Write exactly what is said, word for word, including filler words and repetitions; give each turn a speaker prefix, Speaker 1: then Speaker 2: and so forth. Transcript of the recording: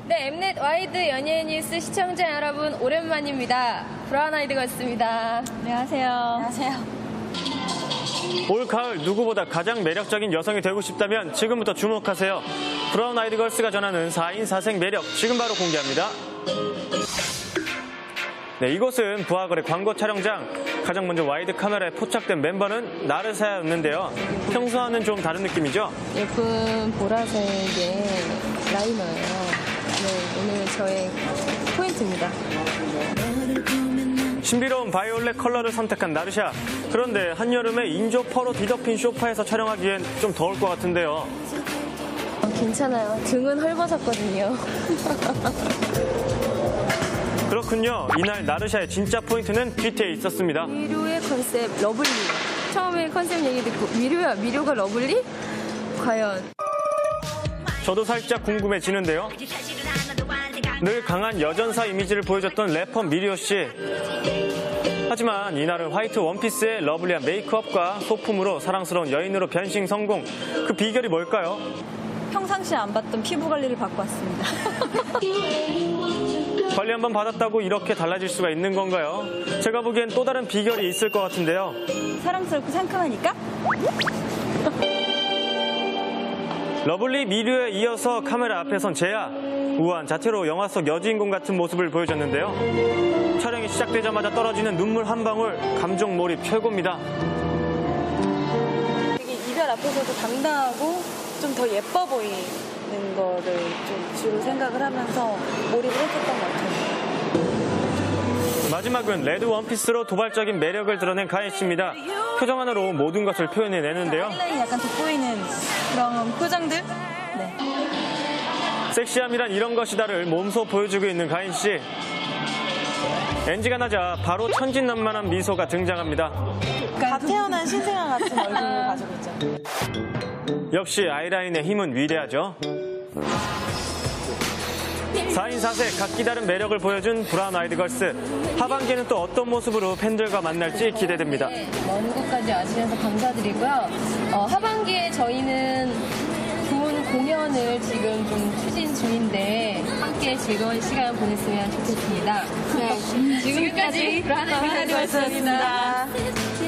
Speaker 1: 네, 엠넷 와이드 연예인 뉴스 시청자 여러분 오랜만입니다. 브라운 아이드 걸스입니다. 안녕하세요.
Speaker 2: 안녕하세요.
Speaker 3: 올 가을 누구보다 가장 매력적인 여성이 되고 싶다면 지금부터 주목하세요. 브라운 아이드 걸스가 전하는 사 인 사 색 매력 지금 바로 공개합니다. 네, 이곳은 부하거래 광고 촬영장. 가장 먼저 와이드 카메라에 포착된 멤버는 나르샤였는데요. 평소와는 좀 다른 느낌이죠?
Speaker 1: 예쁜 보라색의 라이너예요. 네, 오늘 저의 포인트입니다.
Speaker 3: 신비로운 바이올렛 컬러를 선택한 나르샤. 그런데 한여름에 인조 펄로 뒤덮인 소파에서 촬영하기엔 좀 더울 것 같은데요.
Speaker 1: 어, 괜찮아요. 등은 헐벗었거든요.
Speaker 3: 그렇군요. 이날 나르샤의 진짜 포인트는 뒤태에 있었습니다.
Speaker 1: 미료의 컨셉 러블리. 처음에 컨셉 얘기 듣고 미료야, 미료가 러블리? 과연?
Speaker 3: 저도 살짝 궁금해지는데요. 늘 강한 여전사 이미지를 보여줬던 래퍼 미리오 씨. 하지만 이날은 화이트 원피스에 러블리한 메이크업과 소품으로 사랑스러운 여인으로 변신 성공. 그 비결이 뭘까요?
Speaker 2: 평상시에 안 받던 피부 관리를 받고 왔습니다.
Speaker 3: 관리 한번 받았다고 이렇게 달라질 수가 있는 건가요? 제가 보기엔 또 다른 비결이 있을 것 같은데요.
Speaker 2: 사랑스럽고 상큼하니까?
Speaker 3: 러블리 미류에 이어서 카메라 앞에 선 제야. 우아한 자태로 영화 속 여주인공 같은 모습을 보여줬는데요. 촬영이 시작되자마자 떨어지는 눈물 한 방울, 감정 몰입 최고입니다.
Speaker 2: 되게 이별 앞에서도 당당하고 좀 더 예뻐 보이는 거를 좀 주로 생각을 하면서 몰입을 했었던 것 같아요.
Speaker 3: 마지막은 레드 원피스로 도발적인 매력을 드러낸 가인 씨입니다. 표정 하나로 모든 것을 표현해내는데요.
Speaker 2: 하이라인이 약간 돋보이는 그런 표정들? 네.
Speaker 3: 섹시함이란 이런 것이다를 몸소 보여주고 있는 가인 씨. 엔지가 나자 바로 천진난만한 미소가 등장합니다.
Speaker 2: 갓 태어난 신생아 같은 얼굴을 가지고 있죠.
Speaker 3: 역시 아이라인의 힘은 위대하죠. 사 인 사 색 각기 다른 매력을 보여준 브라운 아이드 걸스. 하반기에는 또 어떤 모습으로 팬들과 만날지 기대됩니다.
Speaker 1: 먼 곳까지 와주셔서 감사드리고요. 어, 하반기에 저희는 좋은 공연을 지금 좀 추진 중인데 함께 즐거운 시간 보냈으면 좋겠습니다. 네, 지금까지 브라운 아이드 걸스였습니다.